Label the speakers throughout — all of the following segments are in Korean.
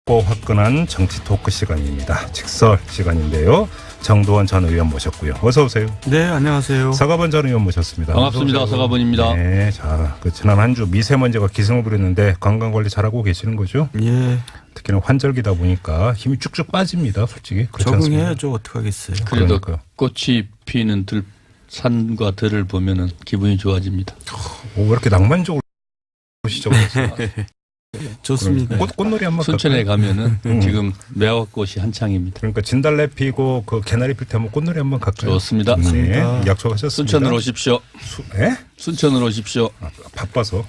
Speaker 1: 화끈한 정치 토크 시간입니다. 직설 시간인데요. 정도원 전 의원 모셨고요. 어서 오세요.
Speaker 2: 네, 안녕하세요.
Speaker 1: 서가번 전 의원 모셨습니다.
Speaker 3: 반갑습니다. 서가번입니다.
Speaker 1: 네, 자, 지난 한 주 미세먼지가 기승을 부렸는데 건강 관리 잘하고 계시는 거죠?
Speaker 2: 예.
Speaker 1: 특히나 환절기다 보니까 힘이 쭉쭉 빠집니다. 솔직히
Speaker 2: 적응해야죠. 어떡하겠어요.
Speaker 3: 그래도
Speaker 1: 그러니까요.
Speaker 3: 꽃이 피는 산과 들을 보면은 기분이 좋아집니다.
Speaker 1: 왜 이렇게 낭만적으로 시작했어요?
Speaker 2: 좋습니다.
Speaker 1: 꽃놀이 한번
Speaker 3: 순천에
Speaker 1: 갈까요?
Speaker 3: 가면은 지금 매화꽃이 한창입니다.
Speaker 1: 그러니까 진달래 피고 그 개나리 필 때 한번 꽃놀이 한번 갈까요?
Speaker 3: 좋습니다.
Speaker 1: 네, 약속하셨습니다.
Speaker 3: 순천으로 오십시오.
Speaker 1: 예?
Speaker 3: 순천으로 오십시오.
Speaker 1: 바빠서.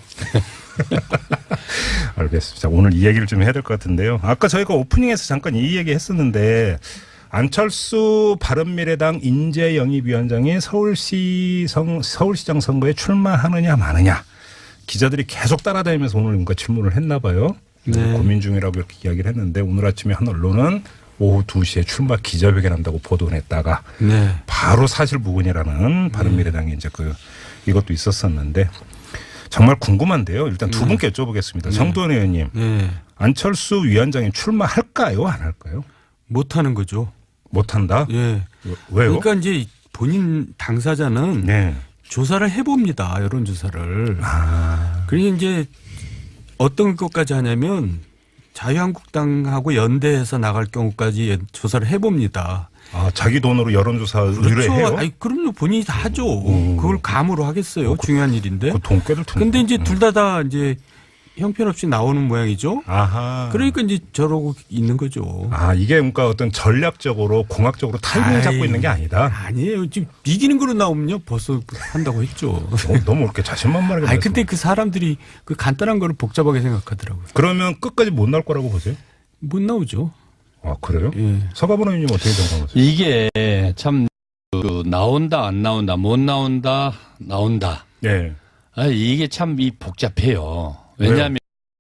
Speaker 1: 알겠습니다. 자, 오늘 이 얘기를 좀 해야 될 것 같은데요. 아까 저희가 오프닝에서 잠깐 이 얘기 했었는데 안철수 바른미래당 인재영입위원장이 서울시장 선거에 출마하느냐 마느냐 기자들이 계속 따라다니면서 오늘 뭔가 질문을 했나 봐요.
Speaker 2: 네.
Speaker 1: 고민 중이라고 이렇게 이야기를 했는데 오늘 아침에 한 언론은 오후 2시에 출마 기자회견한다고 보도를 했다가
Speaker 2: 네.
Speaker 1: 바로 사실무근이라는 바른미래당이 이제 이것도 있었었는데 정말 궁금한데요. 일단 두 분께 여쭤보겠습니다. 정도원 의원님,
Speaker 2: 네.
Speaker 1: 안철수 위원장이 출마할까요, 안 할까요?
Speaker 2: 못하는 거죠.
Speaker 1: 못한다.
Speaker 2: 예.
Speaker 1: 왜요?
Speaker 2: 그러니까 이제 본인 당사자는
Speaker 1: 네.
Speaker 2: 조사를 해봅니다. 여론조사를. 그리고 이제 어떤 것까지 하냐면 자유한국당하고 연대해서 나갈 경우까지 조사를 해봅니다.
Speaker 1: 아, 자기 돈으로 여론조사 의뢰해요?
Speaker 2: 그렇죠. 아니, 그럼요. 본인이 다 하죠. 그걸 감으로 하겠어요. 중요한 일인데.
Speaker 1: 그 돈 꽤들 텐데.
Speaker 2: 근데 이제 둘 다 이제 형편없이 나오는 모양이죠.
Speaker 1: 아하.
Speaker 2: 그러니까 이제 저러고 있는 거죠.
Speaker 1: 아, 이게 그러니까 어떤 전략적으로 공학적으로 타이밍 잡고 있는 게 아니다.
Speaker 2: 아니에요. 지금 이기는 거로 나오면요. 벌써 한다고 했죠.
Speaker 1: 너무 이렇게 자신만만하게.
Speaker 2: 아니, 근데 그 사람들이 그 간단한 거를 복잡하게 생각하더라고요.
Speaker 1: 그러면 끝까지 못 나올 거라고 보세요?
Speaker 2: 못 나오죠.
Speaker 1: 아, 그래요?
Speaker 2: 예.
Speaker 1: 서가번 의원님 어떻게 생각하세요?
Speaker 3: 이게 참 나온다 안 나온다 못 나온다 나온다.
Speaker 1: 네.
Speaker 3: 아, 이게 참 복잡해요. 왜냐하면은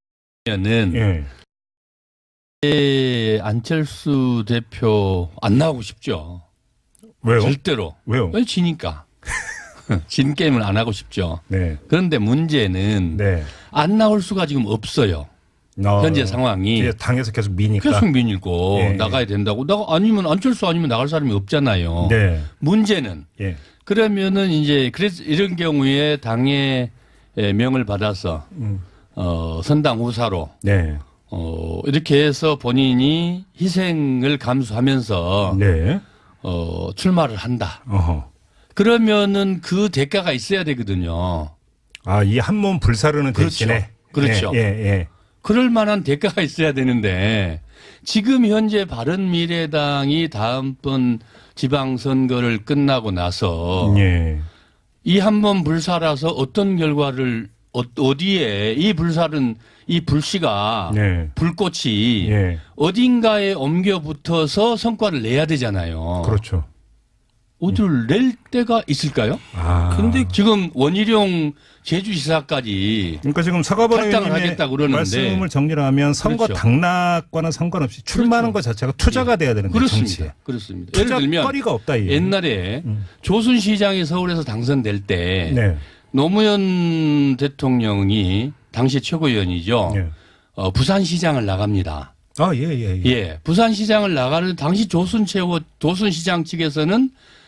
Speaker 3: 안철수 대표 안 나오고 싶죠.
Speaker 1: 왜요?
Speaker 3: 절대로.
Speaker 1: 왜요?
Speaker 3: 왜 지니까. 진 게임을 안 하고 싶죠.
Speaker 1: 네.
Speaker 3: 그런데 문제는
Speaker 1: 네.
Speaker 3: 안 나올 수가 지금 없어요. 현재 상황이.
Speaker 1: 뒤에 당에서 계속 미니까.
Speaker 3: 계속 밀고
Speaker 1: 예,
Speaker 3: 나가야 된다고. 아니면 안철수 아니면 나갈 사람이 없잖아요.
Speaker 1: 네.
Speaker 3: 문제는
Speaker 1: 예.
Speaker 3: 그러면은 이제 그래서 이런 경우에 당의 명을 받아서 선당 후사로
Speaker 1: 네.
Speaker 3: 이렇게 해서 본인이 희생을 감수하면서
Speaker 1: 네.
Speaker 3: 출마를 한다.
Speaker 1: 어허.
Speaker 3: 그러면은 그 대가가 있어야 되거든요.
Speaker 1: 아, 이 한 몸 불사르는
Speaker 3: 그렇죠.
Speaker 1: 대신에.
Speaker 3: 그렇죠.
Speaker 1: 예, 예.
Speaker 3: 그럴 만한 대가가 있어야 되는데 지금 현재 바른미래당이 다음번 지방선거를 끝나고 나서
Speaker 1: 예.
Speaker 3: 이 한 번 불살아서 어떤 결과를 어디에 이 불살은 이 불씨가
Speaker 1: 네.
Speaker 3: 불꽃이
Speaker 1: 예.
Speaker 3: 어딘가에 옮겨 붙어서 성과를 내야 되잖아요.
Speaker 1: 그렇죠.
Speaker 3: 어디를 낼 때가 있을까요?
Speaker 1: 아.
Speaker 3: 근데 지금 원희룡 제주시사까지
Speaker 1: 그러니까 지금 서가번
Speaker 3: 탈당을
Speaker 1: 의원님의
Speaker 3: 하겠다고 그러는데.
Speaker 1: 말씀을 정리를 하면 선거
Speaker 3: 그렇죠.
Speaker 1: 당락과는 상관없이 출마하는 것 자체가 투자가 돼야 되는데
Speaker 3: 그렇습니다.
Speaker 1: 정치에.
Speaker 3: 그렇습니다. 예를 들면
Speaker 1: 투자거리가 없다. 이
Speaker 3: 옛날에 조순시장이 서울에서 당선될 때
Speaker 1: 네.
Speaker 3: 노무현 대통령이 당시 최고위원이죠.
Speaker 1: 예.
Speaker 3: 부산시장을 나갑니다.
Speaker 1: 아, 예, 예, 예.
Speaker 3: 예, 부산시장을 나가는 당시 조순시장 측에서는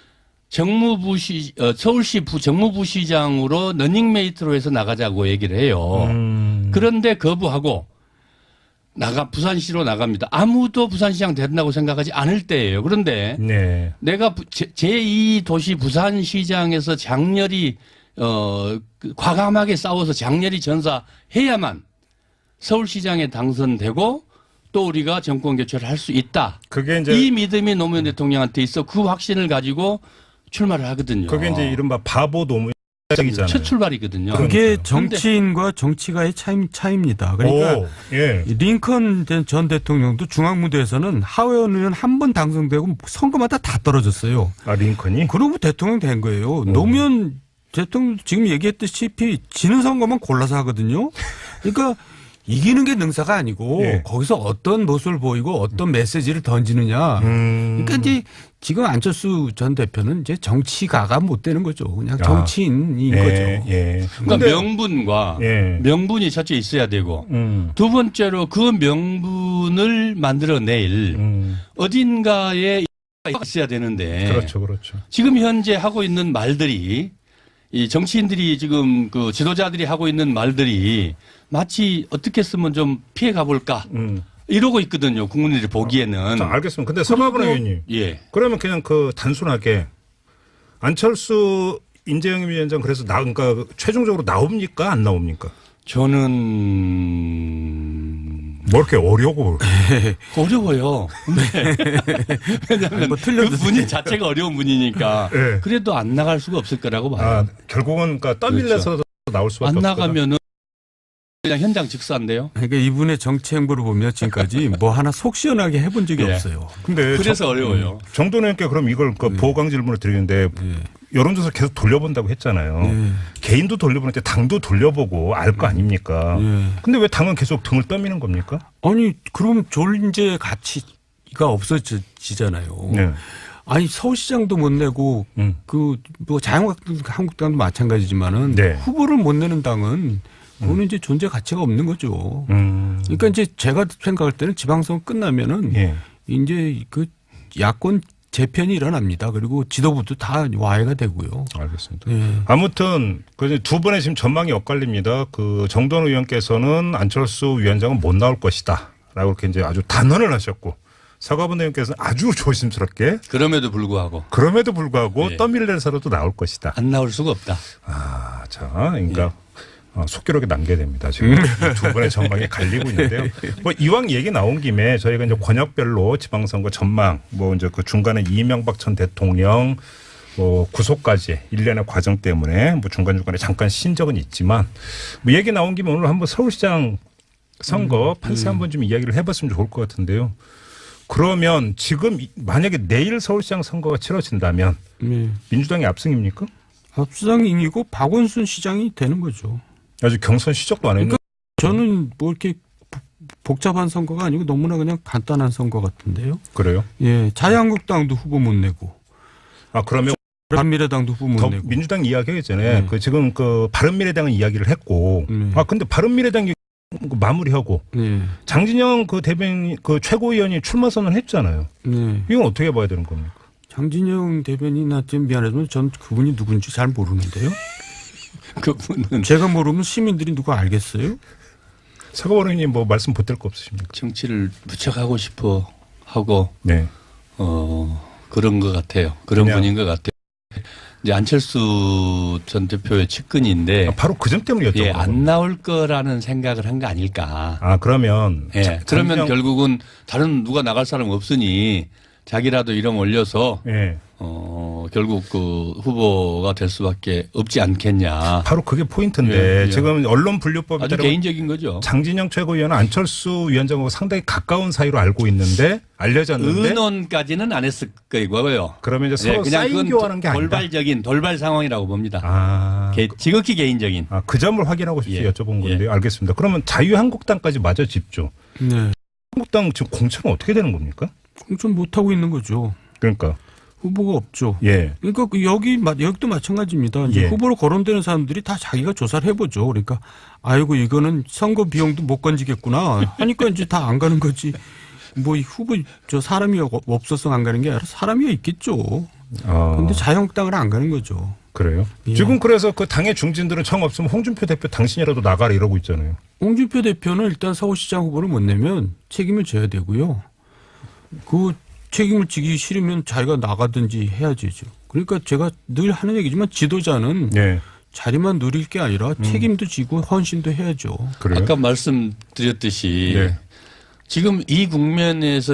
Speaker 3: 서울시 정무부시장으로 러닝메이트로 해서 나가자고 얘기를 해요. 그런데 거부하고 부산시로 나갑니다. 아무도 부산시장 된다고 생각하지 않을 때예요. 그런데
Speaker 1: 네.
Speaker 3: 내가 제2도시 부산시장에서 장렬히 과감하게 싸워서 장렬히 전사해야만 서울시장에 당선되고 또 우리가 정권 교체를 할 수 있다.
Speaker 1: 그게 이제
Speaker 3: 이 믿음이 노무현 대통령한테 있어 그 확신을 가지고 출마를 하거든요.
Speaker 1: 그게 이제 이른바 바보 노무현이잖아요.
Speaker 3: 첫 출발이거든요.
Speaker 2: 그게 정치인과 정치가의 차이입니다. 그러니까
Speaker 1: 오, 예.
Speaker 2: 링컨 전 대통령도 중앙무대에서는 하원 의원 한 번 당선되고 선거마다 다 떨어졌어요.
Speaker 1: 아, 링컨이?
Speaker 2: 그러고 대통령 된 거예요. 노무현 대통령 지금 얘기했다시피 지는 선거만 골라서 하거든요. 그러니까 이기는 게 능사가 아니고
Speaker 1: 예.
Speaker 2: 거기서 어떤 모습을 보이고 어떤 메시지를 던지느냐. 그러니까 이제 지금 안철수 전 대표는 이제 정치가가 못 되는 거죠. 그냥 정치인인 거죠.
Speaker 1: 예.
Speaker 3: 그러니까
Speaker 1: 근데-
Speaker 3: 명분과
Speaker 1: 예.
Speaker 3: 명분이 첫째 있어야 되고 두 번째로 그 명분을 만들어낼 어딘가에 있어야 되는데
Speaker 1: 그렇죠.
Speaker 3: 지금 현재 하고 있는 말들이 이 정치인들이 지금 그 지도자들이 하고 있는 말들이 마치 어떻게 쓰면 좀 피해 가볼까 이러고 있거든요. 국민들이 보기에는.
Speaker 1: 자, 알겠습니다. 근데 서가분 의원님,
Speaker 3: 예.
Speaker 1: 그러면 그냥 그 단순하게 안철수 인재영입 위원장 그래서 그러니까 최종적으로 나옵니까 안 나옵니까?
Speaker 3: 저는
Speaker 1: 뭐 이렇게 어려고
Speaker 3: 어려워요. 근데 왜냐하면
Speaker 2: 뭐
Speaker 3: 그 분이 자체가 어려운 분이니까
Speaker 1: 예.
Speaker 3: 그래도 안 나갈 수가 없을 거라고 봐요.
Speaker 1: 아, 결국은 그러니까 떠밀려서 나올 수밖에
Speaker 3: 안
Speaker 1: 없다.
Speaker 3: 나가면은 그냥 현장 직사인데요.
Speaker 2: 그러니까 이분의 정치 행보를 보면 지금까지 뭐 하나 속 시원하게 해본 적이
Speaker 3: 예.
Speaker 2: 없어요.
Speaker 1: 근데
Speaker 3: 그래서 어려워요.
Speaker 1: 정도님께 그럼 이걸 그 보강 질문을 드리는데 여론조사 계속 돌려본다고 했잖아요. 개인도 돌려보는데 당도 돌려보고 알 거 아닙니까? 근데 왜 당은 계속 등을 떠미는 겁니까?
Speaker 2: 아니 그럼 존재 가치가 없어지잖아요.
Speaker 1: 네.
Speaker 2: 아니 서울시장도 못 내고 그 뭐 자유한국당도 마찬가지지만은
Speaker 1: 네.
Speaker 2: 후보를 못 내는 당은 그거는 이제 존재 가치가 없는 거죠. 그러니까 이제 제가 생각할 때는 지방선거 끝나면은
Speaker 1: 예.
Speaker 2: 이제 그 야권 재편이 일어납니다. 그리고 지도부도 다 와해가 되고요.
Speaker 1: 알겠습니다.
Speaker 2: 예.
Speaker 1: 아무튼 그 두 분의 지금 전망이 엇갈립니다. 그 정돈 의원께서는 안철수 위원장은 못 나올 것이다라고 이렇게 이제 아주 단언을 하셨고 서가분 의원께서는 아주 조심스럽게
Speaker 3: 그럼에도 불구하고
Speaker 1: 예. 떠밀려서라도 나올 것이다.
Speaker 3: 안 나올 수가 없다.
Speaker 1: 아, 자, 그러니까 속기록에 남겨야 됩니다. 지금 이두 분의 전망이 갈리고 있는데요. 뭐 이왕 얘기 나온 김에 저희가 이제 권역별로 지방선거 전망, 뭐 이제 그 중간에 이명박 전 대통령 뭐 구속까지 일련의 과정 때문에 뭐 중간중간에 잠깐 쉰 적은 있지만 뭐 얘기 나온 김에 오늘 한번 서울시장 선거 판세 한번 좀 이야기를 해봤으면 좋을 것 같은데요. 그러면 지금 만약에 내일 서울시장 선거가 치러진다면 민주당이 압승입니까?
Speaker 2: 압수당이 이기고 박원순 시장이 되는 거죠.
Speaker 1: 아직 경선 시작도 안 했는데.
Speaker 2: 저는 뭐 이렇게 복잡한 선거가 아니고 너무나 그냥 간단한 선거 같은데요.
Speaker 1: 그래요?
Speaker 2: 예, 자유한국당도 후보 못 내고,
Speaker 1: 아, 그러면
Speaker 2: 바른미래당도 후보 못
Speaker 1: 더
Speaker 2: 내고.
Speaker 1: 민주당 이야기 전에 그 지금 그 바른미래당은 이야기를 했고 아 근데 바른미래당이 마무리하고
Speaker 2: 예,
Speaker 1: 장진영 그 대변인 그 최고위원이 출마 선언했잖아요.
Speaker 2: 네.
Speaker 1: 이건 어떻게 봐야 되는 겁니까?
Speaker 2: 장진영 대변인한테 미안하지만 전 그분이 누군지 잘 모르는데요.
Speaker 3: 그분은
Speaker 2: 제가 모르면 시민들이 누가 알겠어요?
Speaker 1: 서가원 의원님 뭐 말씀 보탤 거 없으십니까?
Speaker 3: 정치를 무척 하고 싶어 하고
Speaker 1: 네.
Speaker 3: 그런 것 같아요. 그런
Speaker 1: 그냥-
Speaker 3: 분인 것 같아요. 이제 안철수 전 대표의 측근인데
Speaker 1: 바로 그 점 때문에 여쭤본
Speaker 3: 예,
Speaker 1: 거예요.
Speaker 3: 안 나올 거라는 생각을 한 거 아닐까.
Speaker 1: 아 그러면
Speaker 3: 예, 그러면 결국은 다른 누가 나갈 사람 없으니 자기라도 이름 올려서
Speaker 1: 예.
Speaker 3: 결국 그 후보가 될 수밖에 없지 않겠냐.
Speaker 1: 바로 그게 포인트인데
Speaker 3: 예, 예.
Speaker 1: 지금 언론 분류법에
Speaker 3: 아주
Speaker 1: 따르면
Speaker 3: 개인적인 거죠.
Speaker 1: 장진영 최고위원은 안철수 위원장하고 상당히 가까운 사이로 알고 있는데 알려졌는데
Speaker 3: 의논까지는 안 했을 거고요.
Speaker 1: 그러면 이제 서로
Speaker 3: 그냥
Speaker 1: 사인
Speaker 3: 그건
Speaker 1: 교환한 게 아니다.
Speaker 3: 돌발 상황이라고 봅니다.
Speaker 1: 아,
Speaker 3: 지극히 개인적인.
Speaker 1: 그 점을 확인하고 싶어서
Speaker 3: 예.
Speaker 1: 여쭤본 건데요. 알겠습니다. 그러면 자유한국당까지 마저 짚죠.
Speaker 2: 네.
Speaker 1: 한국당 지금 공천은 어떻게 되는 겁니까?
Speaker 2: 공천 못 하고 있는 거죠.
Speaker 1: 그러니까
Speaker 2: 후보가 없죠.
Speaker 1: 예.
Speaker 2: 그러니까 여기도 마찬가지입니다. 이제
Speaker 1: 예.
Speaker 2: 후보로 거론되는 사람들이 다 자기가 조사를 해보죠. 그러니까 아이고 이거는 선거 비용도 못 건지겠구나 하니까 이제 다 안 가는 거지. 뭐 이 후보 저 사람이 없어서 안 가는 게 아니라 사람이 있겠죠. 근데 자유한국당은 안 가는 거죠.
Speaker 1: 그래요?
Speaker 2: 예.
Speaker 1: 지금 그래서 그 당의 중진들은 청 없으면 홍준표 대표 당신이라도 나가라 이러고 있잖아요.
Speaker 2: 홍준표 대표는 일단 서울시장 후보를 못 내면 책임을 져야 되고요. 그 책임을 지기 싫으면 자기가 나가든지 해야죠. 그러니까 제가 늘 하는 얘기지만 지도자는
Speaker 1: 예.
Speaker 2: 자리만 누릴 게 아니라 책임도 지고 헌신도 해야죠.
Speaker 1: 그래요?
Speaker 3: 아까 말씀드렸듯이
Speaker 1: 네.
Speaker 3: 지금 이 국면에서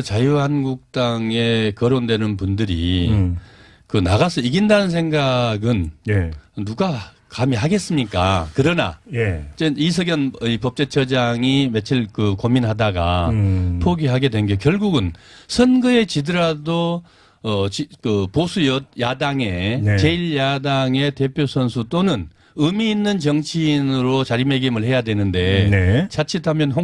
Speaker 3: 자유한국당에 거론되는 분들이 그 나가서 이긴다는 생각은
Speaker 1: 예.
Speaker 3: 누가 감히 하겠습니까? 그러나
Speaker 1: 예.
Speaker 3: 이석연 법제처장이 며칠 그 고민하다가 포기하게 된 게 결국은 선거에 지더라도 그 보수 야당의
Speaker 1: 네.
Speaker 3: 제1야당의 대표 선수 또는 의미 있는 정치인으로 자리매김을 해야 되는데
Speaker 1: 네.
Speaker 3: 자칫하면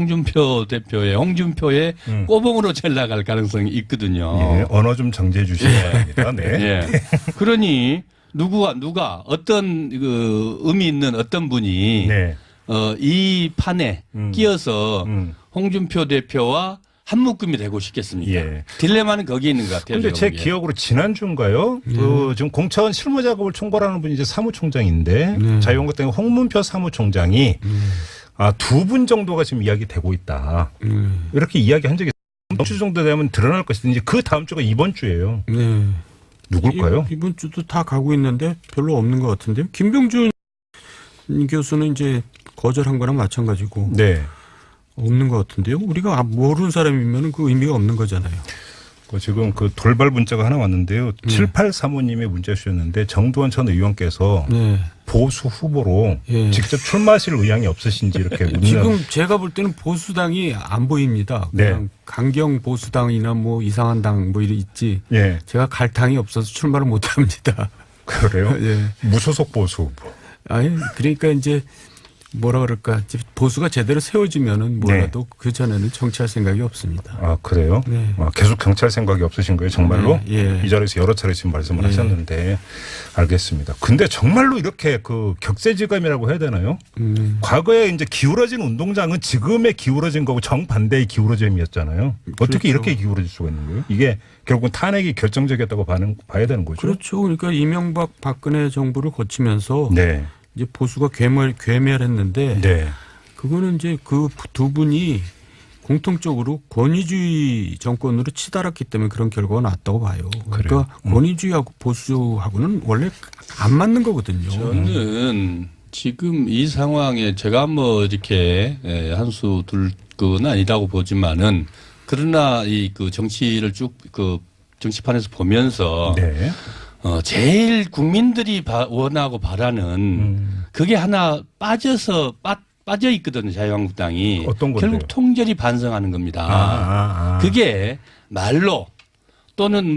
Speaker 3: 홍준표의 꼬봉으로 잘 나갈 가능성이 있거든요.
Speaker 1: 예, 언어 좀 정지해 주시기 바랍니다. 네.
Speaker 3: 예. 그러니 누가 어떤 그 의미 있는 어떤 분이
Speaker 1: 네.
Speaker 3: 이 판에 끼어서
Speaker 1: 음.
Speaker 3: 홍준표 대표와 한 묶음이 되고 싶겠습니까?
Speaker 1: 예.
Speaker 3: 딜레마는 거기에 있는 것 같아요.
Speaker 1: 근데 제
Speaker 3: 제가 보기에.
Speaker 1: 기억으로 지난주인가요? 그 지금 공천 실무 작업을 총괄하는 분이 이제 사무총장인데 자유한국당 홍문표 사무총장이 두 분 정도가 지금 이야기되고 있다. 이렇게 이야기한 적이 다음 주 정도 되면 드러날 것인데 이제 그 다음 주가 이번 주예요.
Speaker 2: 네.
Speaker 1: 누굴까요?
Speaker 2: 이번 주도 다 가고 있는데 별로 없는 것 같은데요. 김병준 교수는 이제 거절한 거랑 마찬가지고
Speaker 1: 네.
Speaker 2: 없는 것 같은데요. 우리가 모르는 사람이면 그 의미가 없는 거잖아요.
Speaker 1: 지금 그 돌발 문자가 하나 왔는데요. 7835님의 문자 주셨는데 정두원 전 의원께서
Speaker 2: 네.
Speaker 1: 보수 후보로
Speaker 2: 예.
Speaker 1: 직접 출마하실 의향이 없으신지 이렇게 묻는.
Speaker 2: 지금 제가 볼 때는 보수당이 안 보입니다. 그냥
Speaker 1: 네.
Speaker 2: 강경 보수당이나 뭐 이상한 당 뭐 이런 있지.
Speaker 1: 예.
Speaker 2: 제가 갈 당이 없어서 출마를 못 합니다.
Speaker 1: 그래요?
Speaker 2: 예.
Speaker 1: 무소속 보수 후보.
Speaker 2: 아니 그러니까 이제 뭐라 그럴까 보수가 제대로 세워지면은 뭐라도 그 전에는 정치할 생각이 없습니다.
Speaker 1: 아 그래요?
Speaker 2: 네.
Speaker 1: 계속 경찰 생각이 없으신 거예요, 정말로?
Speaker 2: 네, 예.
Speaker 1: 이 자리에서 여러 차례 지금 말씀을 하셨는데 알겠습니다. 근데 정말로 이렇게 그 격세지감이라고 해야 되나요? 과거에 이제 기울어진 운동장은 지금의 기울어진 거고 정반대의 기울어짐이었잖아요. 어떻게
Speaker 2: 그렇죠.
Speaker 1: 이렇게 기울어질 수가 있는 거예요? 이게 결국은 탄핵이 결정적이었다고 봐야 되는 거죠.
Speaker 2: 그렇죠. 그러니까 이명박 박근혜 정부를 거치면서
Speaker 1: 네,
Speaker 2: 이제 보수가 괴멸했는데
Speaker 1: 네,
Speaker 2: 그거는 이제 그 두 분이 공통적으로 권위주의 정권으로 치달았기 때문에 그런 결과가 났다고 봐요. 그러니까 권위주의하고 보수하고는 원래 안 맞는 거거든요.
Speaker 3: 저는 지금 이 상황에 제가 뭐 이렇게 한수 둘 건 아니라고 보지만은 그러나 이 그 정치를 쭉 그 정치판에서 보면서
Speaker 1: 네.
Speaker 3: 제일 국민들이 원하고 바라는 그게 하나 빠져 있거든요. 자유한국당이.
Speaker 1: 어떤 건데요?
Speaker 3: 결국 통절이 반성하는 겁니다. 그게 말로 또는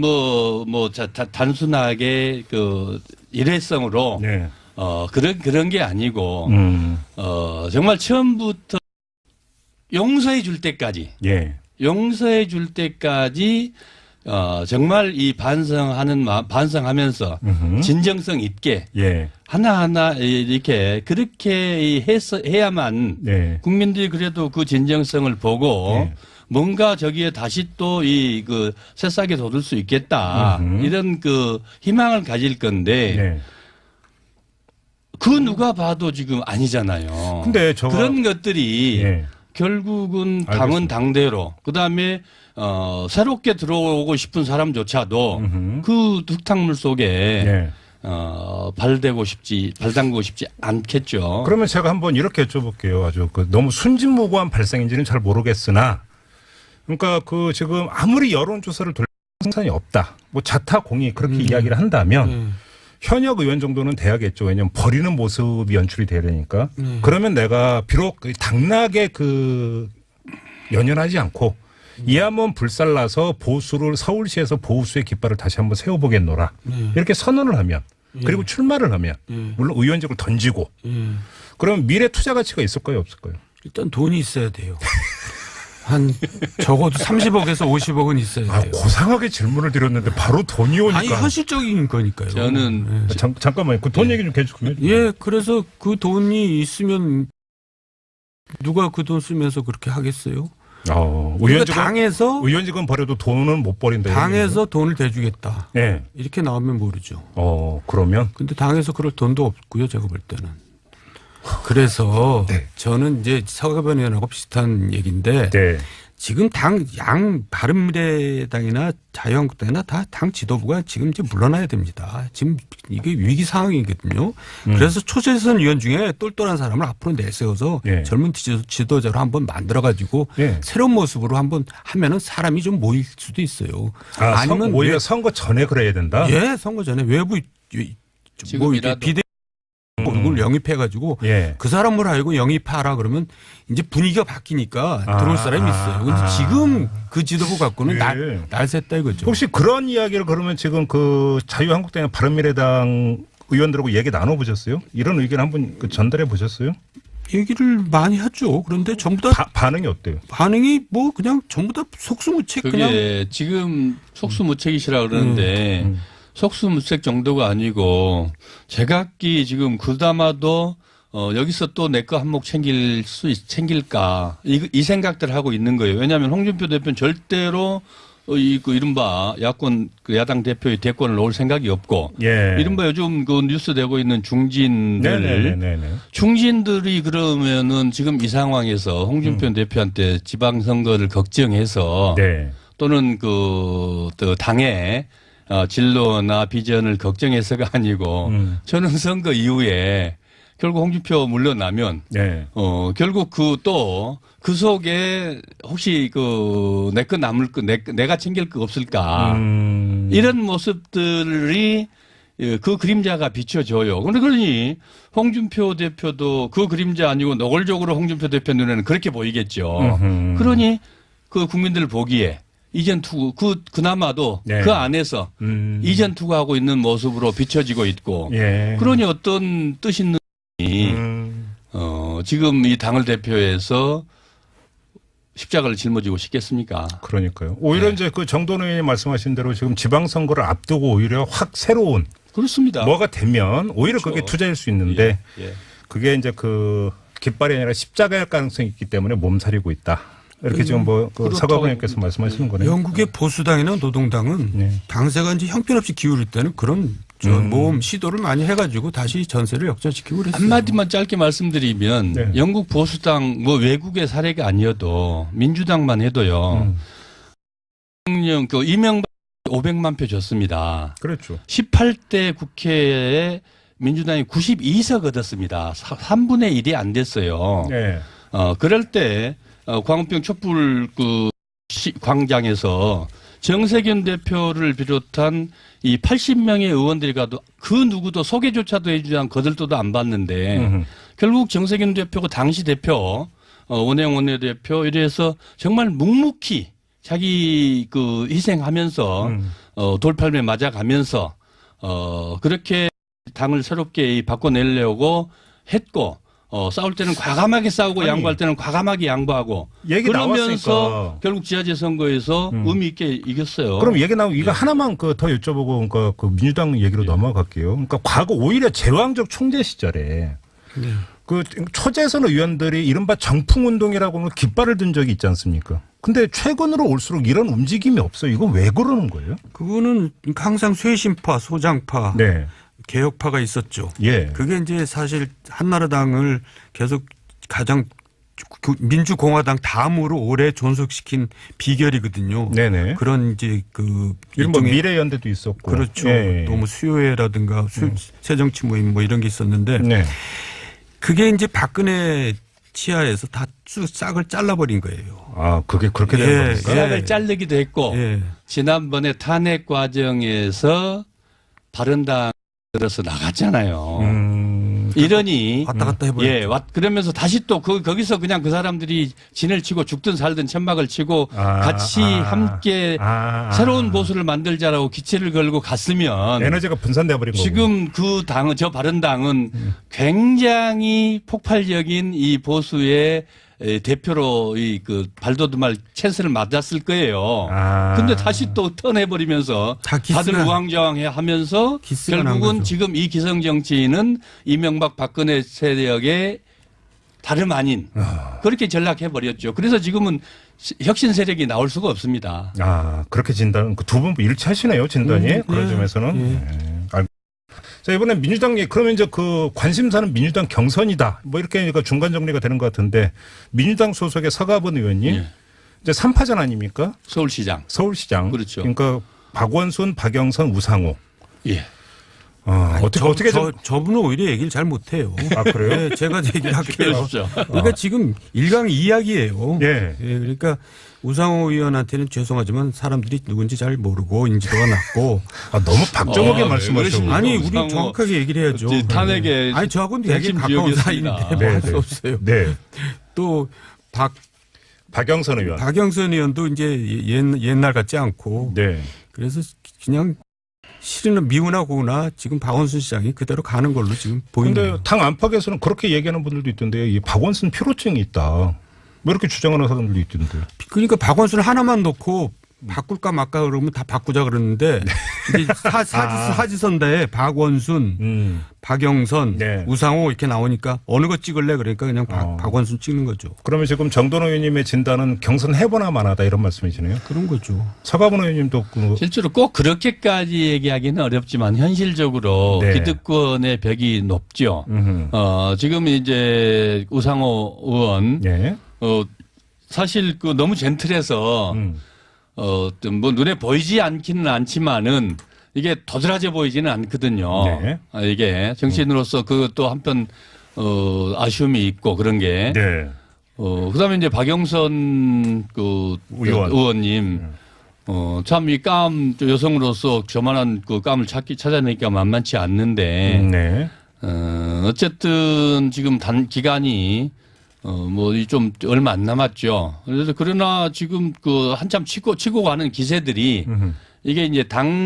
Speaker 3: 단순하게 그 일회성으로
Speaker 1: 네.
Speaker 3: 그런 게 아니고 정말 처음부터 용서해 줄 때까지
Speaker 1: 예.
Speaker 3: 용서해 줄 때까지 정말 이 반성하면서 진정성 있게
Speaker 1: 예.
Speaker 3: 하나하나 이렇게 그렇게 해야만
Speaker 1: 네.
Speaker 3: 국민들이 그래도 그 진정성을 보고
Speaker 1: 네.
Speaker 3: 뭔가 저기에 다시 또 이 그 새싹이 돋을 수 있겠다 이런 그 희망을 가질 건데
Speaker 1: 네.
Speaker 3: 그 누가 봐도 지금 아니잖아요.
Speaker 1: 근데
Speaker 3: 그런 것들이
Speaker 1: 예.
Speaker 3: 결국은 당은
Speaker 1: 알겠습니다.
Speaker 3: 당대로 그다음에 새롭게 들어오고 싶은 사람조차도 그 흙탕물 속에
Speaker 1: 네.
Speaker 3: 발담고 싶지 않겠죠.
Speaker 1: 그러면 제가 한번 이렇게 여쭤볼게요. 아주 너무 순진무구한 발상인지는 잘 모르겠으나, 그러니까 지금 아무리 여론조사를 돌려 상관이 없다. 뭐 자타공이 그렇게 이야기를 한다면 현역 의원 정도는 돼야겠죠. 왜냐하면 버리는 모습이 연출이 돼야 되니까. 그러면 내가 비록 당락에 연연하지 않고 이 한번 불살라서 보수를 서울시에서 보수의 깃발을 다시 한번 세워보겠노라. 이렇게 선언을 하면 그리고 출마를 하면 물론 의원직을 던지고 그럼 미래 투자 가치가 있을까요 없을까요?
Speaker 2: 일단 돈이 있어야 돼요. 한 적어도 30억에서 50억은 있어야 돼요.
Speaker 1: 고상하게 질문을 드렸는데 바로 돈이 오니까.
Speaker 2: 아니 현실적인 거니까요.
Speaker 3: 저는
Speaker 1: 잠깐만요. 그 돈 얘기 좀 계속 좀 해주세요.
Speaker 2: 예, 그래서 그 돈이 있으면 누가 그 돈 쓰면서 그렇게 하겠어요? 그러니까
Speaker 1: 의원직은 버려도 돈은 못 버린다.
Speaker 2: 당에서 돈을 대주겠다.
Speaker 1: 네.
Speaker 2: 이렇게 나오면 모르죠.
Speaker 1: 그러면?
Speaker 2: 근데 당에서 그럴 돈도 없고요. 제가 볼 때는. 그래서
Speaker 1: 네.
Speaker 2: 저는 이제 서가변 의원하고 비슷한 얘기인데
Speaker 1: 네.
Speaker 2: 지금 바른미래당이나 자유한국당이나 다 당 지도부가 지금 이제 물러나야 됩니다. 지금 이게 위기 상황이거든요. 그래서 초재선 의원 중에 똘똘한 사람을 앞으로 내세워서
Speaker 1: 네.
Speaker 2: 젊은 지도자로 한번 만들어가지고
Speaker 1: 네.
Speaker 2: 새로운 모습으로 한번 하면은 사람이 좀 모일 수도 있어요. 아니면
Speaker 1: 오히려 선거 전에 그래야 된다?
Speaker 2: 예, 선거 전에 외부
Speaker 3: 지금이라도.
Speaker 2: 비대 누굴 영입해가지고
Speaker 1: 예.
Speaker 2: 그 사람을 알고 영입하라 그러면 이제 분위기가 바뀌니까 들어올 사람이 있어요. 근데 지금 그 지도부 갖고는 날 샜다 이거죠.
Speaker 1: 혹시 그런 이야기를 그러면 지금 그 자유한국당이나 바른미래당 의원들하고 얘기 나눠보셨어요? 이런 의견 한번 전달해 보셨어요?
Speaker 2: 얘기를 많이 하죠. 그런데 전부 다
Speaker 1: 반응이 어때요?
Speaker 2: 반응이 뭐 그냥 전부 다 속수무책
Speaker 3: 그게
Speaker 2: 그냥
Speaker 3: 지금 속수무책이시라 그러는데 속수무책 정도가 아니고 제각기 지금 그나마도 여기서 또 내 거 한몫 챙길까 이 생각들을 하고 있는 거예요. 왜냐하면 홍준표 대표는 절대로 그 이른바 야권 그 야당 대표의 대권을 놓을 생각이 없고
Speaker 1: 예.
Speaker 3: 이른바 요즘 그 뉴스 되고 있는 중진들
Speaker 1: 네네네.
Speaker 3: 중진들이 그러면은 지금 이 상황에서 홍준표 대표한테 지방선거를 걱정해서
Speaker 1: 네.
Speaker 3: 또는 또 당의 진로나 비전을 걱정해서가 아니고 저는 선거 이후에 결국 홍준표 물러나면
Speaker 1: 네.
Speaker 3: 결국 그 속에 혹시 내 거 남을 거 내가 챙길 거 없을까 이런 모습들이 그 그림자가 비춰져요. 그러니 홍준표 대표도 그 그림자 아니고 노골적으로 홍준표 대표 눈에는 그렇게 보이겠죠. 그러니 그 국민들 보기에 이전 투구 그나마도
Speaker 1: 네.
Speaker 3: 그 안에서 이전 투구하고 있는 모습으로 비춰지고 있고
Speaker 1: 예.
Speaker 3: 그러니 어떤 뜻 있는 지금 이 당을 대표해서 십자가를 짊어지고 싶겠습니까?
Speaker 1: 그러니까요. 오히려
Speaker 3: 네.
Speaker 1: 이제 그 정돈 의원이 말씀하신 대로 지금 지방선거를 앞두고 오히려 확 새로운
Speaker 3: 그렇습니다.
Speaker 1: 뭐가 되면 오히려
Speaker 3: 그렇죠.
Speaker 1: 그게 투자일 수 있는데
Speaker 3: 예.
Speaker 1: 그게 이제 그 깃발이 아니라 십자가일 가능성이 있기 때문에 몸살이고 있다. 이렇게 지금
Speaker 3: 그렇다고
Speaker 1: 서가부님께서 말씀하시는 거네요.
Speaker 2: 영국의 보수당이나 노동당은
Speaker 1: 네.
Speaker 2: 당세가 이제 형편없이 기울일 때는 그런 모험 시도를 많이 해가지고 다시 전세를 역전시키고 그랬어요.
Speaker 3: 한마디만 짧게 말씀드리면
Speaker 1: 네.
Speaker 3: 영국 보수당 외국의 사례가 아니어도 민주당만 해도요. 이명박 500만 표 줬습니다.
Speaker 1: 그렇죠.
Speaker 3: 18대 국회에 민주당이 92석 얻었습니다. 3분의 1이 안 됐어요.
Speaker 1: 네.
Speaker 3: 그럴 때 광우병 촛불 광장에서 정세균 대표를 비롯한 이 80명의 의원들이 가도 그 누구도 소개조차도 해주지 않고 거들떠도 안 받는데 결국 정세균 대표가 당시 대표 원혜영 원내대표 이래서 정말 묵묵히 자기 그 희생하면서 돌팔매 맞아가면서 그렇게 당을 새롭게 바꿔내려고 했고 싸울 때는 과감하게 싸우고 양보할 때는 과감하게 양보하고
Speaker 1: 얘기
Speaker 3: 그러면서
Speaker 1: 나왔으니까.
Speaker 3: 결국 지자체 선거에서 의미 있게 이겼어요.
Speaker 1: 그럼 얘기 나오고 이거 하나만 더 여쭤보고 그러니까 그 민주당 얘기로 넘어갈게요. 그러니까 과거 오히려 제왕적 총재 시절에 그 초재선 의원들이 이른바 정풍운동이라고 하는 깃발을 든 적이 있지 않습니까? 근데 최근으로 올수록 이런 움직임이 없어요. 이거 왜 그러는 거예요?
Speaker 2: 그거는 항상 쇄신파, 소장파,
Speaker 1: 네.
Speaker 2: 개혁파가 있었죠.
Speaker 1: 예.
Speaker 2: 그게 이제 사실 한나라당을 계속 가장 민주공화당 다음으로 오래 존속시킨 비결이거든요.
Speaker 1: 네네.
Speaker 2: 그런 이제 그
Speaker 1: 이른바
Speaker 2: 일종의
Speaker 1: 미래연대도 있었고.
Speaker 2: 그렇죠.
Speaker 1: 예.
Speaker 2: 또 뭐 수요회라든가 새정치 모임 뭐 이런 게 있었는데
Speaker 1: 네.
Speaker 2: 그게 이제 박근혜 치하에서 다 싹을 잘라버린 거예요.
Speaker 1: 아, 그게 그렇게 된
Speaker 2: 예,
Speaker 1: 겁니까?
Speaker 3: 싹을 자르기도 했고
Speaker 2: 예.
Speaker 3: 지난번에 탄핵 과정에서 바른당 들어서 나갔잖아요. 이러니
Speaker 2: 왔다 갔다 해버렸죠.
Speaker 3: 예, 그러면서 다시 또 거기서 그냥 그 사람들이 진을 치고 죽든 살든 천막을 치고 같이 함께 새로운 보수를 만들자라고 기치를 걸고 갔으면
Speaker 1: 에너지가 분산돼 버린 거고.
Speaker 3: 지금 그 당은 저 바른당은 굉장히 폭발적인 이 보수의 대표로 그 발돋움할 찬스를 맞았을 거예요. 근데 다시 또 턴해버리면서 다들 우왕좌왕해 하면서 결국은 지금 이 기성 정치인은 이명박 박근혜 세력의 다름 아닌 그렇게 전락해버렸죠. 그래서 지금은 혁신 세력이 나올 수가 없습니다.
Speaker 1: 아, 그렇게 진단, 두 분 일치하시네요, 진단이. 그런 점에서는. 네. 자, 이번에 민주당, 그러면 이제 그 관심사는 민주당 경선이다. 뭐 이렇게 중간 정리가 되는 것 같은데 민주당 소속의 서가번 의원님 이제 3파전 아닙니까?
Speaker 3: 서울시장.
Speaker 1: 서울시장.
Speaker 3: 그렇죠.
Speaker 1: 그러니까 박원순, 박영선, 우상호.
Speaker 3: 예.
Speaker 1: 어떻게
Speaker 2: 저분은 오히려 얘기를 잘 못해요.
Speaker 1: 아, 그래요?
Speaker 2: 네, 제가 얘기를 할게요.
Speaker 3: 그러십시오.
Speaker 2: 그러니까 지금 일강이야기예요.
Speaker 1: 예.
Speaker 2: 그러니까 우상호 의원한테는 죄송하지만 사람들이 누군지 잘 모르고 인지도가 낮고.
Speaker 1: 너무 박정하게 말씀하시고.
Speaker 3: 그러십니까?
Speaker 2: 아니 우리
Speaker 3: 우상호
Speaker 2: 정확하게 얘기를 해야죠.
Speaker 3: 탄핵에
Speaker 2: 아니 저하고는 되게
Speaker 3: 핵심
Speaker 2: 가까운
Speaker 3: 지역이었습니다.
Speaker 2: 사이인데 뭐 할 수 없어요.
Speaker 1: 네.
Speaker 2: 또
Speaker 1: 박영선 의원.
Speaker 2: 박영선 의원도 이제 옛날 같지 않고.
Speaker 1: 네.
Speaker 2: 그래서 그냥 실은 미우나 고우나 지금 박원순 시장이 그대로 가는 걸로 지금 보이네요.
Speaker 1: 근데 당 안팎에서는 그렇게 얘기하는 분들도 있던데요. 이 박원순 피로증이 있다. 뭐 이렇게 주장하는 사람들도 있던데요.
Speaker 2: 그러니까 박원순 하나만 놓고 바꿀까 말까 그러면 다 바꾸자 그러는데 이제 사지선다에 박원순, 박영선,
Speaker 1: 네.
Speaker 2: 우상호 이렇게 나오니까 어느 거 찍을래 그러니까 그냥 박원순 찍는 거죠.
Speaker 1: 그러면 지금 정돈호 의원님의 진단은 경선 해보나 마나다 이런 말씀이시네요.
Speaker 2: 그런 거죠.
Speaker 1: 서가분 의원님도
Speaker 3: 실제로 꼭 그렇게까지 얘기하기는 어렵지만 현실적으로
Speaker 1: 네.
Speaker 3: 기득권의 벽이 높죠. 지금 이제 우상호 의원
Speaker 1: 예.
Speaker 3: 사실 그 너무 젠틀해서 뭐 눈에 보이지 않기는 않지만은 이게 도드라져 보이지는 않거든요.
Speaker 1: 네.
Speaker 3: 이게 정치인으로서 그것도 한편 아쉬움이 있고 그런 게.
Speaker 1: 네.
Speaker 3: 그다음에 이제 박영선 그 의원님 참 이 감 여성으로서 저만한 그 감을 찾아내기가 만만치 않는데
Speaker 1: 네.
Speaker 3: 어쨌든 지금 단 기간이 뭐 좀 얼마 안 남았죠. 그래서 그러나 지금 그 한참 치고 가는 기세들이 이게 이제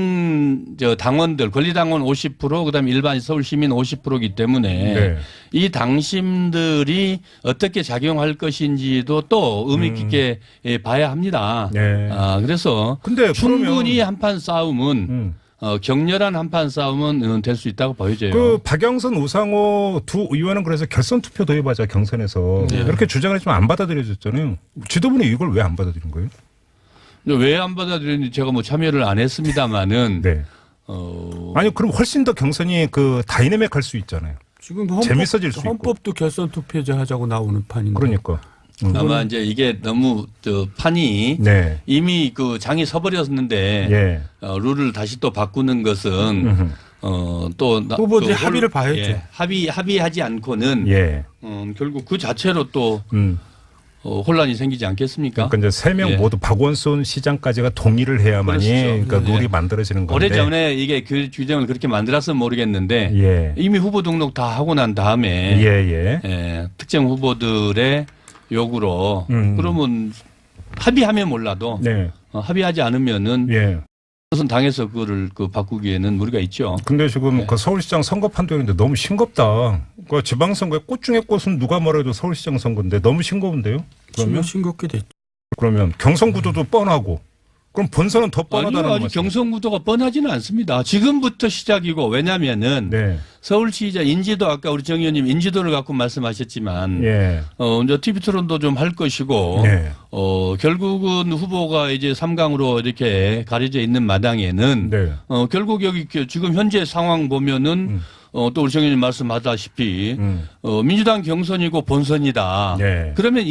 Speaker 3: 당원들 권리당원 50% 그다음에 일반 서울 시민 50%이기 때문에
Speaker 1: 네.
Speaker 3: 이 당심들이 어떻게 작용할 것인지도 또 의미 깊게 봐야 합니다.
Speaker 1: 네.
Speaker 3: 그래서
Speaker 1: 근데
Speaker 3: 충분히
Speaker 1: 그러면
Speaker 3: 한판 싸움은 격렬한 한판 싸움은 될 수 있다고 보여져요.
Speaker 1: 그 박영선, 우상호 두 의원은 그래서 결선 투표 도입하자 경선에서
Speaker 3: 네.
Speaker 1: 이렇게 주장을 했지만 안 받아들여졌잖아요. 지도부는 이걸 왜 안 받아들인 거예요?
Speaker 3: 왜 안 받아들였는지 제가 뭐 참여를 안 했습니다만은
Speaker 1: 네. 아니 그럼 훨씬 더 경선이 그 다이내믹할 수 있잖아요.
Speaker 2: 지금
Speaker 1: 재밌어질 수 있고.
Speaker 2: 헌법도 결선 투표제 하자고 나오는 판인데.
Speaker 1: 그러니까.
Speaker 3: 아마 이제 이게 너무 판이
Speaker 1: 네.
Speaker 3: 이미 그 장이 서버렸는데
Speaker 1: 예.
Speaker 3: 룰을 다시 또 바꾸는 것은 또
Speaker 2: 후보들이 합의를 봐야죠.
Speaker 3: 예, 합의하지 않고는
Speaker 1: 예.
Speaker 3: 결국 그 자체로 또 혼란이 생기지 않겠습니까?
Speaker 1: 그러니까 이제 세 명
Speaker 3: 예.
Speaker 1: 모두 박원순 시장까지가 동의를 해야만이
Speaker 3: 그렇죠.
Speaker 1: 그러니까 룰이
Speaker 3: 예.
Speaker 1: 만들어지는 건데.
Speaker 3: 오래전에 이게 그 규정을 그렇게 만들었으면 모르겠는데
Speaker 1: 예.
Speaker 3: 이미 후보 등록 다 하고 난 다음에
Speaker 1: 예.
Speaker 3: 특정 후보들의 요구로 그러면 합의하면 몰라도
Speaker 1: 네.
Speaker 3: 합의하지 않으면은
Speaker 1: 예.
Speaker 3: 무슨 당에서 그거를 바꾸기에는 무리가 있죠.
Speaker 1: 근데 지금
Speaker 3: 네.
Speaker 1: 그 서울시장 선거 판도인데 너무 싱겁다. 그 지방선거의 꽃 중의 꽃은 누가 뭐래도 서울시장 선거인데 너무 싱거운데요? 그러면
Speaker 2: 싱겁게 됐죠.
Speaker 1: 그러면 경선 구도도 뻔하고 그럼 본선은 더
Speaker 3: 아니요,
Speaker 1: 뻔하다는
Speaker 3: 아직
Speaker 1: 말씀.
Speaker 3: 경선 구도가 뻔하지는 않습니다. 지금부터 시작이고 왜냐하면은
Speaker 1: 네.
Speaker 3: 서울시장 인지도 아까 우리 정 의원님 인지도를 갖고 말씀하셨지만
Speaker 1: 예.
Speaker 3: 이제 TV 토론도 좀 할 것이고
Speaker 1: 네.
Speaker 3: 결국은 후보가 이제 3강으로 이렇게 가려져 있는 마당에는
Speaker 1: 네.
Speaker 3: 결국 여기 지금 현재 상황 보면은 또 우리 정 의원님 말씀하다시피 민주당 경선이고 본선이다.
Speaker 1: 네.
Speaker 3: 그러면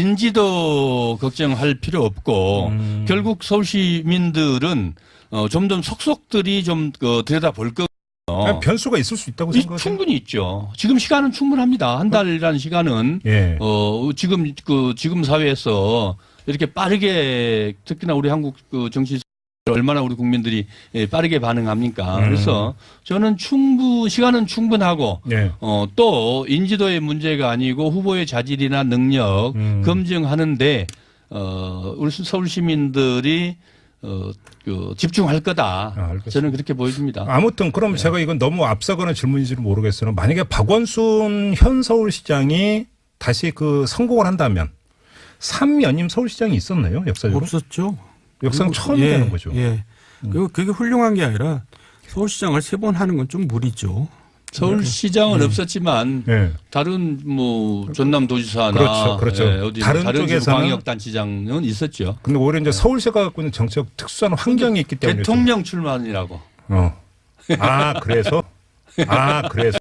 Speaker 3: 인지도 걱정할 필요 없고 결국 서울 시민들은 점점 속속들이 좀 들여다볼 거예요.
Speaker 1: 그냥 변수가 있을 수 있다고 생각하세요?
Speaker 3: 충분히 있죠. 지금 시간은 충분합니다. 한 달이라는 시간은
Speaker 1: 예.
Speaker 3: 지금 사회에서 이렇게 빠르게 특히나 우리 한국 정치 얼마나 우리 국민들이 빠르게 반응합니까? 그래서 저는 시간은 충분하고
Speaker 1: 네.
Speaker 3: 또 인지도의 문제가 아니고 후보의 자질이나 능력 검증하는데 우리 서울 시민들이 집중할 거다.
Speaker 1: 알겠습니다.
Speaker 3: 저는 그렇게 보여집니다.
Speaker 1: 아무튼 그럼 제가 이건 너무 앞서거나 질문인지는 모르겠으나 만약에 박원순 현 서울시장이 다시 그 성공을 한다면 3연임 서울시장이 있었나요? 역사적으로?
Speaker 2: 없었죠.
Speaker 1: 역사는 처음이 되는 거죠.
Speaker 2: 예. 그리고 그게 훌륭한 게 아니라 서울시장을 3번 하는 건 좀 무리죠.
Speaker 3: 서울시장은 없었지만
Speaker 1: 예.
Speaker 3: 다른 뭐 전남도지사나
Speaker 1: 그렇죠.
Speaker 3: 어디
Speaker 1: 다른
Speaker 3: 다른
Speaker 1: 쪽에서는
Speaker 3: 광역단체장은 있었죠.
Speaker 1: 근데 오히려 이제 서울시가 갖고 있는 정치적 특수한 환경이 있기 때문에
Speaker 3: 대통령 출마하느라고.
Speaker 1: 그래서